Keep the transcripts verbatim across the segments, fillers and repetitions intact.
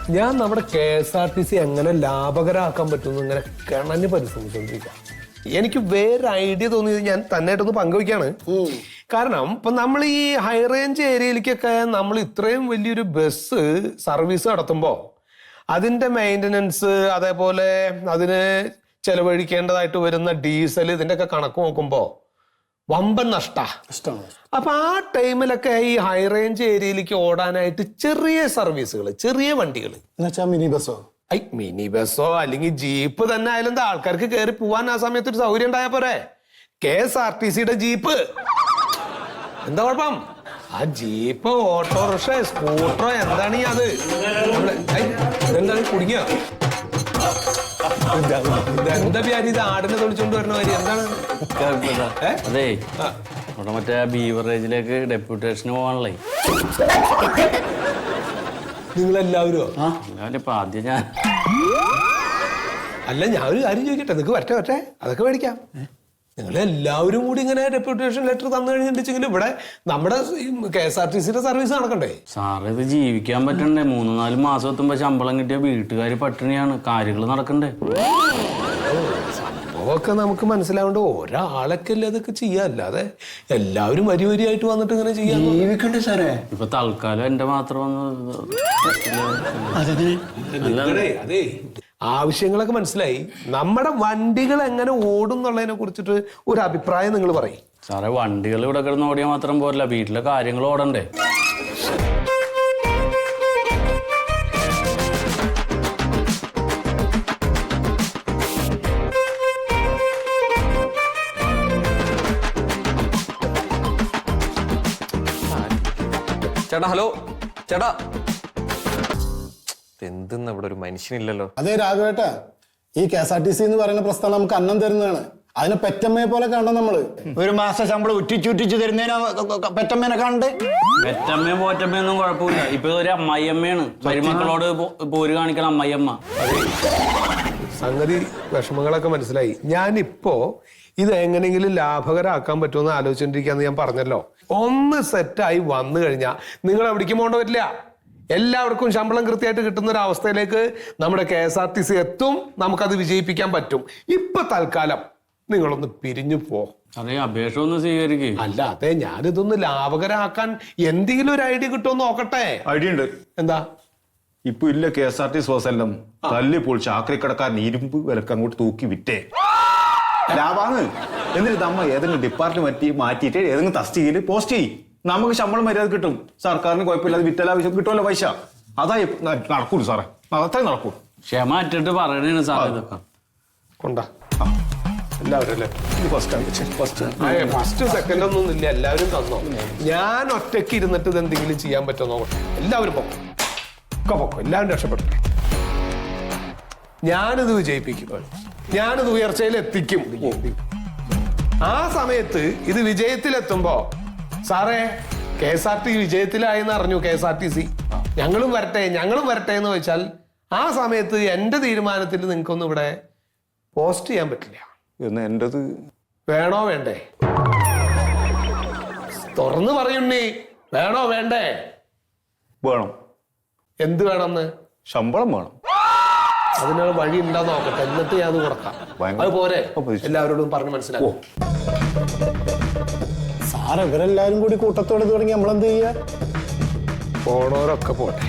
ഞാൻ നമ്മുടെ K S R T C എങ്ങനെ ലാഭകരമാക്കാൻ പറ്റുമെന്ന് ഇങ്ങനെ കിണഞ്ഞ് പരിശ്രമിച്ചുകൊണ്ടിരിക്കുക. എനിക്ക് വേറെ ഐഡിയ തോന്നിയത് ഞാൻ തന്നെയായിട്ടൊന്ന് പങ്കുവയ്ക്കാണ്. കാരണം ഇപ്പൊ നമ്മൾ ഈ ഹൈ റേഞ്ച് ഏരിയയിലേക്കൊക്കെ നമ്മൾ ഇത്രയും വലിയൊരു ബസ് സർവീസ് നടത്തുമ്പോ അതിന്റെ മെയിൻ്റനൻസ്, അതേപോലെ അതിന് ചെലവഴിക്കേണ്ടതായിട്ട് വരുന്ന ഡീസൽ, ഇതിന്റെ ഒക്കെ കണക്ക് നോക്കുമ്പോ വമ്പൻ നഷ്ട. അപ്പൊ ആ ടൈമിലൊക്കെ ഈ ഹൈ റേഞ്ച് ഏരിയയിലേക്ക് ഓടാനായിട്ട് ചെറിയ സർവീസുകൾ, ചെറിയ വണ്ടികൾ, മിനി ബസ്സോ ഐ മിനി ബസ്സോ അല്ലെങ്കിൽ ജീപ്പ് തന്നെ ആയാലും എന്താ ആൾക്കാർക്ക് കയറി പോവാൻ ആ സമയത്ത് ഒരു സൗകര്യം ഉണ്ടായാ പോരെ. കെ എസ് ആർ ടി സിയുടെ ജീപ്പ് എന്താ കുഴപ്പം? ആ ജീപ്പ്, ഓട്ടോറിക്ഷ, സ്കൂട്ടറോ എന്താണ് ഈ അത് എന്താണ് കുടുങ്ങിയ എന്താ വ്യാധി? ഇത് ആടിനെ തൊളിച്ചോണ്ട് വരണ കാര്യം എന്താണ്? അതെ, ഇവിടെ മറ്റേ ബീവറേജിലേക്ക് ഡെപ്യൂട്ടേഷന് പോകാനുള്ളേ. നിങ്ങളെല്ലാവരോ? ഇപ്പൊ ആദ്യം ഞാൻ അല്ല, ഞാൻ ഒരു കാര്യം ചോദിക്കട്ടെ, നിനക്ക് വരട്ടെ വരട്ടെ അതൊക്കെ മേടിക്കാം. നിങ്ങൾ എല്ലാവരും കൂടി ഇങ്ങനെ ഡെപ്യൂട്ടേഷൻ ലെറ്റർ തന്നു കഴിഞ്ഞിട്ടുണ്ടെങ്കിൽ ഇവിടെ നമ്മുടെ കെ എസ് ആർ ടി സിയുടെ സർവീസ് നടക്കണ്ടേ? സാറേ, ഇത് ജീവിക്കാൻ പറ്റണ്ടേ? മൂന്ന് നാല് മാസം എത്തുമ്പോ ശമ്പളം കിട്ടിയ വീട്ടുകാർ പട്ടിണിയാണ്, കാര്യങ്ങൾ നടക്കണ്ടേ? സംഭവമൊക്കെ നമുക്ക് മനസ്സിലാവേണ്ട ഒരാളൊക്കെ അല്ലേ അതൊക്കെ ചെയ്യാ, അല്ലാതെ എല്ലാവരും വരി വരിയായിട്ട് വന്നിട്ട് ഇങ്ങനെ ചെയ്യാൻ ജീവിക്കണ്ടേ സാറേ? ഇപ്പൊ തൽക്കാലം എന്റെ മാത്രം വന്ന് അതെ, ആവശ്യങ്ങളൊക്കെ മനസ്സിലായി. നമ്മുടെ വണ്ടികൾ എങ്ങനെ ഓടും എന്നുള്ളതിനെ കുറിച്ചിട്ട് ഒരു അഭിപ്രായം നിങ്ങൾ പറയും. സാറേ, വണ്ടികൾ ഇവിടെ കിടന്ന് ഓടിയാൽ മാത്രം പോരല്ല, വീട്ടിലെ കാര്യങ്ങൾ ഓടണ്ടേ? ചേട്ടാ, ഹലോ ചേട്ടാ. എന്തെന്ന് ഇവിടെ ഒരു മനുഷ്യനില്ലല്ലോ. അതെ രാഘവേട്ടാ, ഈ K S R T C എന്ന് പറയുന്ന പ്രസ്ഥാനം നമുക്ക് അന്നം തരുന്നതാണ്. അതിനെ പെറ്റമ്മയെ പോലെ കാണണം നമ്മള്. ഒരു മാസം ശമ്പളം ഉറ്റിച്ചുറ്റിച്ച് തരുന്നതിന് പെറ്റമ്മേനെ കാണണ്ടേ? പെറ്റമ്മയും പോറ്റമ്മയൊന്നും കുഴപ്പമില്ല. ഇപ്പൊ ഒരു അമ്മായിയമ്മയാണ്, മരുമക്കളോട് പോര് കാണിക്കണം അമ്മായിയമ്മ. സംഗതി വിഷമങ്ങളൊക്കെ മനസ്സിലായി. ഞാനിപ്പോ ഇത് എങ്ങനെയെങ്കിലും ലാഭകരമാക്കാൻ പറ്റുമെന്ന് ആലോചിച്ചോണ്ടിരിക്കാന്ന് ഞാൻ പറഞ്ഞല്ലോ. ഒന്ന് സെറ്റായി വന്നു കഴിഞ്ഞാൽ നിങ്ങൾ എവിടേക്കും പോകേണ്ട പറ്റില്ല. എല്ലാവർക്കും ശമ്പളം കൃത്യമായിട്ട് കിട്ടുന്ന ഒരു അവസ്ഥയിലേക്ക് നമ്മുടെ K S R T C എത്തും. നമുക്കത് വിജയിപ്പിക്കാൻ പറ്റും. ഇപ്പൊ തൽക്കാലം നിങ്ങളൊന്ന് പിരിഞ്ഞു പോ. അതെ, അപേക്ഷ ഒന്ന് സ്വീകരിക്കും. അല്ല, അതെ, ഞാനിതൊന്ന് ലാഭകരമാക്കാൻ എന്തെങ്കിലും ഒരു ഐഡിയ കിട്ടുമെന്ന് നോക്കട്ടെ. ഐഡിയ ഉണ്ട്. എന്താ? ഇപ്പൊ ഇല്ല K S R T C ബസ്സെല്ലാം തല്ലിപ്പോൾ ചാക്രിക്കടക്കാരൻ ഇരുമ്പ് വിലക്ക് അങ്ങോട്ട് തൂക്കി വിറ്റേ ലാഭാണ്. എന്നിട്ട് നമ്മ ഏതെങ്കിലും ഡിപ്പാർട്ട്മെന്റ് മാറ്റിയിട്ട് ഏതെങ്കിലും തസ്തികയിൽ പോസ്റ്റ് ചെയ്യും. നമുക്ക് ശമ്പളം മര്യാദ കിട്ടും. സർക്കാരിന് കുഴപ്പമില്ലാതെ വിറ്റലാവശ്യം കിട്ടുമല്ലോ പൈസ. അതായി നടക്കൂല സാറേ, അതത്രേ നടക്കൂ. ക്ഷമ അറ്റിട്ട് പറയണേണ് സാറേ ഇതൊക്കെ. കൊണ്ടാ എല്ലാവരും അല്ലേ? ഫസ്റ്റ് സെക്കൻഡ് ഒന്നും ഇല്ല, എല്ലാവരും തന്നോ. ഞാൻ ഒറ്റയ്ക്ക് ഇരുന്നിട്ട് ഇത് എന്തെങ്കിലും ചെയ്യാൻ പറ്റുമോ നോക്കട്ടെ. എല്ലാവരും പൊക്കോ, ഒക്കെ പൊക്കോ, എല്ലാവരും രക്ഷപ്പെട്ടു. ഞാനിത് വിജയിപ്പിക്കും, ഞാനിത് ഉയർച്ചയിൽ എത്തിക്കും. ആ സമയത്ത് ഇത് വിജയത്തിലെത്തുമ്പോ സാറേ കെ എസ് ആർ ടി വിജയത്തിലായെന്ന് അറിഞ്ഞു K S R T C, ഞങ്ങളും വരട്ടെ ഞങ്ങളും വരട്ടെ എന്ന് വെച്ചാൽ ആ സമയത്ത് എന്റെ തീരുമാനത്തിൽ നിങ്ങൾക്കൊന്നും ഇവിടെ പോസ്റ്റ് ചെയ്യാൻ പറ്റില്ല. എന്ന് എന്റേത് വേണോ വേണ്ടേ? തുറന്നു പറയുണ്ണി, വേണോ വേണ്ടേ? വേണം. എന്ത് വേണമെന്ന്? ശമ്പളം വേണം. അതിനുള്ള വഴി ഉണ്ടോ നോക്കട്ടെ, എന്നിട്ട് ഞാൻ അത് കൊടുക്കാം. അത് പോരെ? എല്ലാവരോടും പറഞ്ഞ് മനസ്സിലാക്കും. സാർ ഇവരെല്ലാരും കൂടി കൂട്ടത്തോടെ തുടങ്ങി നമ്മളെന്ത് ചെയ്യാ? പോണോരൊക്കെ പോട്ടെ,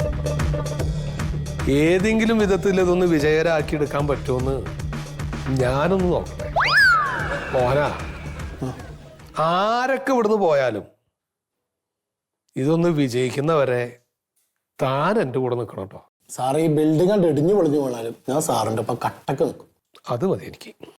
ഏതെങ്കിലും വിധത്തിൽ ഇതൊന്ന് വിജയകരാക്കി എടുക്കാൻ പറ്റുമെന്ന് ഞാനൊന്ന് നോക്കട്ടെ. മോനാ, ആരൊക്കെ ഇവിടുന്ന് പോയാലും ഇതൊന്ന് വിജയിക്കുന്നവരെ താൻ എൻ്റെ കൂടെ നിൽക്കണം കേട്ടോ. സാറ് ഈ ബിൽഡിംഗ് കണ്ട് ഇടിഞ്ഞു പൊളിഞ്ഞു പോണാലും ഞാൻ സാറിന്റെ ഒപ്പം കട്ടക്ക് നിൽക്കും. അത് മതി എനിക്ക്.